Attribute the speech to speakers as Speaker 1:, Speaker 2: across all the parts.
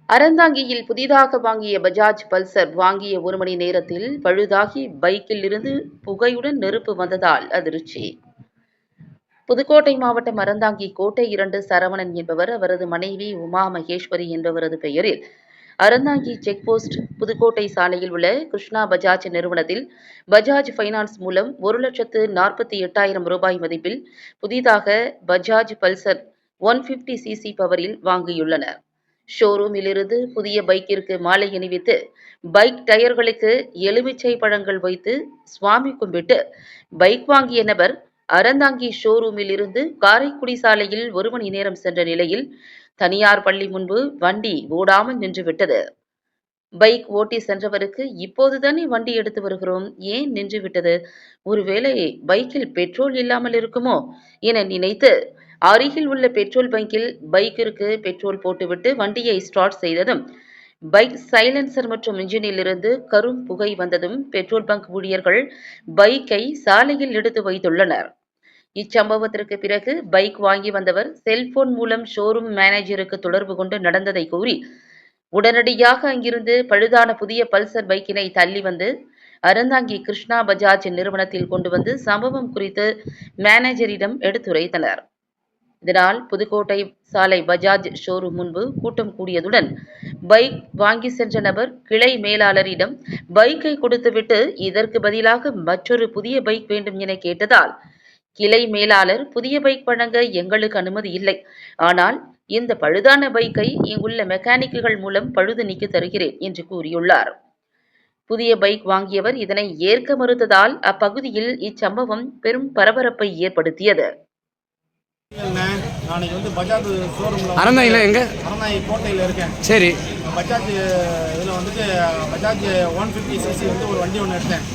Speaker 1: அறந்தாங்கியில் புதிதாக வாங்கிய பஜாஜ் பல்சர் வாங்கிய 1 மணி நேரத்தில் பழுதாகி பைக்கில் இருந்து புகையுடன் நெருப்பு வந்ததால் அதிர்ச்சி. புதுக்கோட்டை மாவட்டம் அறந்தாங்கி கோட்டை 2 சரவணன் என்பவர் அவரது மனைவி உமா மகேஸ்வரி என்பவரது பெயரில் அறந்தாங்கி செக்போஸ்ட் புதுக்கோட்டை சாலையில் உள்ள கிருஷ்ணா பஜாஜ் நிறுவனத்தில் பஜாஜ் பைனான்ஸ் மூலம் 1,48,000 ரூபாய் மதிப்பில் புதிதாக பஜாஜ் பல்சர் 150cc பவரில் வாங்கியுள்ளனர். ஷோரூமிலிருந்து புதிய பைக்கிற்கு மாலை அணிவித்து பைக் டயர்களுக்கு எலுமிச்சை பழங்கள் வைத்து சுவாமி கும்பிட்டு பைக் வாங்கிய நபர் அறந்தாங்கி ஷோரூமில் இருந்து காரைக்குடி சாலையில் 1 மணி நேரம் சென்ற நிலையில் தனியார் பள்ளி முன்பு வண்டி ஓடாமல் நின்றுவிட்டது. பைக் ஓட்டி சென்றவருக்கு இப்போதுதானே வண்டி எடுத்து வருகிறோம், ஏன் நின்றுவிட்டது, ஒருவேளை பைக்கில் பெட்ரோல் இல்லாமல் இருக்குமோ என நினைத்து அருகில் உள்ள பெட்ரோல் பங்கில் பைக்கிற்கு பெட்ரோல் போட்டுவிட்டு வண்டியை ஸ்டார்ட் செய்ததும் பைக் சைலன்சர் மற்றும் இன்ஜினில் இருந்து கரும் புகை வந்ததும் பெட்ரோல் பங்க் ஊழியர்கள் பைக்கை சாலையில் எடுத்து வைத்துள்ளனர். இச்சம்பவத்திற்கு பிறகு பைக் வாங்கி வந்தவர் செல்போன் மூலம் ஷோரூம் மேனேஜருக்கு தொடர்பு கொண்டு நடந்ததை கூறி உடனடியாக அங்கிருந்து பழுதான புதிய பல்சர் பைக்கினை தள்ளி வந்து அறந்தாங்கி கிருஷ்ணா பஜாஜ் நிறுவனத்தில் கொண்டு வந்து சம்பவம் குறித்து மேனேஜரிடம் எடுத்துரைத்தனர். இதனால் புதுக்கோட்டை சாலை பஜாஜ் ஷோரூம் முன்பு கூட்டம் கூடியதுடன் பைக் வாங்கி சென்ற நபர் கிளை மேலாளரிடம் பைக்கை கொடுத்துவிட்டு இதற்கு பதிலாக மற்றொரு புதிய பைக் வேண்டும் என கேட்டதால் கிளை மேலாளர் புதிய பைக் வழங்க எங்களுக்கு அனுமதி இல்லை, ஆனால் இந்த பழுதான பைக்கை இங்குள்ள மெக்கானிக்குகள் மூலம் பழுது நீக்கி தருகிறேன் என்று கூறியுள்ளார். புதிய பைக் வாங்கியவர் இதனை ஏற்க மறுத்ததால் அப்பகுதியில் இச்சம்பவம் பெரும் பரபரப்பை ஏற்படுத்தியது.
Speaker 2: நாளைக்கு வந்து பஜாஜ் ஷோரூமில்
Speaker 3: அறந்தாங்கில எங்க
Speaker 2: அறந்தாங்கி கோட்டையில் இருக்கேன்.
Speaker 3: சரி,
Speaker 2: பஜாஜ் இதில் வந்துட்டு பஜாஜ் 150cc வந்து ஒரு வண்டி ஒன்று எடுத்தேன்.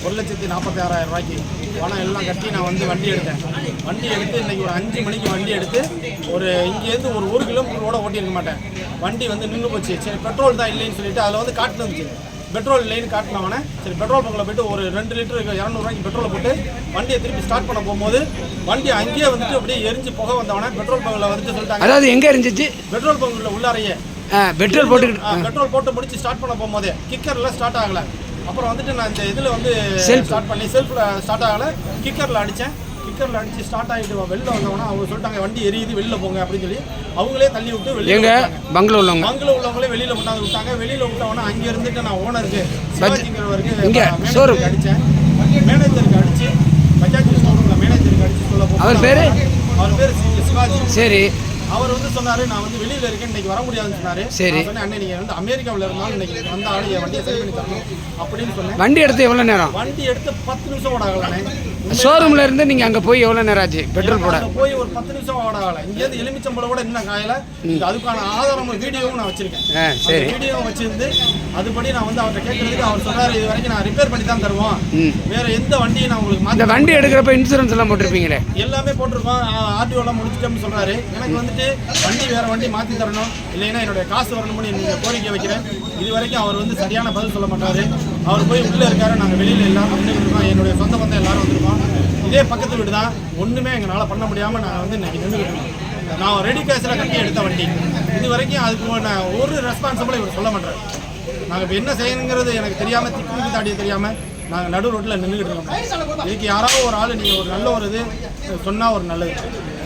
Speaker 2: 1,46,000 ரூபாய்க்கு பணம் எல்லாம் கட்டி நான் வந்து வண்டி எடுத்தேன். வண்டி எடுத்து இன்றைக்கி ஒரு 5 மணிக்கு வண்டி எடுத்து இங்கேருந்து ஒரு 1 கிலோமீட்டர் கூட ஓட்டியிருக்க மாட்டேன். வண்டி வந்து நின்று போச்சு. சரி, பெட்ரோல் தான் இல்லைன்னு சொல்லிட்டு அதில் வந்து காட்டுனுச்சு பெட்ரோல் இல்லைன்னு காட்டினவனே. சரி, பெட்ரோல் பங்கில் போய்ட்டு ஒரு 2 லிட்டர் 200 ரூபாய்க்கு பெட்ரோலை போட்டு வண்டியை திருப்பி ஸ்டார்ட் பண்ண போகும்போது வண்டி அங்கேயே வந்துட்டு அப்படியே எரிஞ்சு புகை வந்தவனே பெட்ரோல் பங்கில் வந்துட்டு சொல்லிட்டாங்க.
Speaker 3: அதாவது எங்கே இருந்துச்சு?
Speaker 2: பெட்ரோல் பங்கில் உள்ளாரையே
Speaker 3: பெட்ரோல்
Speaker 2: போட்டு முடிச்சு ஸ்டார்ட் பண்ண போகும்போது கிக்கரில் ஸ்டார்ட் ஆகலை. அப்புறம் வந்துட்டு நான் இந்த இதில் வந்து ஸ்டார்ட் பண்ணி செல்ஃபில் ஸ்டார்ட் ஆகலை, கிக்கரில் அடித்தேன். கிக்கரில் அடித்து ஸ்டார்ட் ஆகிட்டு வெளில வந்தவொன்னே அவங்க சொல்லிட்டாங்க வண்டி எரியுது வெளில போங்க அப்படின்னு சொல்லி அவங்களே தள்ளி விட்டு வெளியே
Speaker 3: பங்கில்
Speaker 2: உள்ளவங்களே வெளியில் கொண்டாந்து விட்டாங்க. வெளியில் விட்டவொன்னே அங்கே இருந்துட்டு நான் ஓனருக்கு சிவாஜிங்கிறவருக்கு அடித்தேன். மேனேஜருக்கு அடித்து பஜாஜ் ஷோரூமில் மேனேஜருக்கு அடித்து சொல்ல போகிறேன். அவர் பேர் சிவாஜி.
Speaker 3: சரி,
Speaker 2: அவர் வந்து சொன்னார் நான் வந்து வெளியில் இருக்கேன், இன்னைக்கு வர முடியாதுன்னு சொன்னார்.
Speaker 3: சரி,
Speaker 2: சொன்னேன் அண்ணே நீங்கள் வந்து அமெரிக்காவில் இருந்தாலும் இன்னைக்கு வந்த ஆள் என் வண்டியை சரி பண்ணி தரணும் அப்படின்னு சொன்னேன்.
Speaker 3: வண்டி எடுத்து எவ்வளோ நேரம்?
Speaker 2: வண்டி எடுத்து 10 நிமிஷம் ஓட ஆகலானே.
Speaker 3: ஷோரூம்ல இருந்து நீங்கள் அங்கே போய் எவ்வளோ நேரம் ஆச்சு பெட்ரோல் போட?
Speaker 2: போய் ஒரு 10 நிமிஷம் ஓட ஆகலை. இங்கேருந்து எலுமிச்சம்பழம் கூட இன்னும் காயலை. அதுக்கான ஆதாரம் வீடியோவும் நான் வச்சிருக்கேன்.
Speaker 3: சரி,
Speaker 2: வீடியோவும் வச்சிருந்து அதுபடி நான் வந்து அவர்கிட்ட கேட்கறதுக்கு அவர் சொன்னார் இது வரைக்கும் நான் ரிப்பேர் பண்ணி தான் தருவோம், வேற எந்த வண்டியும் நான் உங்களுக்கு
Speaker 3: இந்த வண்டி எடுக்கிறப்ப இன்சூரன்ஸ் எல்லாம் போட்டிருப்பீங்களே?
Speaker 2: எல்லாமே போட்டிருக்கோம், ஆர்டிஓலாம் முடிச்சிட்டோம்னு சொல்றாரு. எனக்கு வந்துட்டு வண்டி வேற வண்டி மாற்றி தரணும், இல்லைன்னா என்னுடைய காசு வரணும்னு நீங்கள் கோரிக்கை வைக்கிறேன். இது வரைக்கும் அவர் வந்து சரியான பதில் சொல்ல மாட்டாரு. அவர் போய் உள்ளே இருக்காரு, நாங்கள் வெளியில் எல்லாரும் வந்துட்டு இருக்கோம், என்னுடைய சொந்த பந்தம் எல்லாரும் வந்திருக்கோம். இதே பக்கத்து வீடு தான், ஒன்றுமே எங்களால் பண்ண முடியாமல் நாங்கள் வந்து இன்னைக்கு நின்றுக்கிட்டு இருக்கோம். நான் ரெடி கேஷில் கட்டி எடுத்த வண்டி இது வரைக்கும் அதுக்கு நான் ஒரு ரெஸ்பான்சிபிள் இவர் சொல்ல மாட்டேன். நாங்கள் இப்போ என்ன செய்யணுங்கிறது எனக்கு தெரியாமல் திக்கு தாண்டிய தெரியாமல் நாங்கள் நடு ரோட்டில் நின்றுக்கிட்டு இருக்கோம். இதுக்கு யாராவது ஒரு ஆள் நீங்கள் ஒரு நல்ல ஒரு இது சொன்னால் ஒரு நல்லது.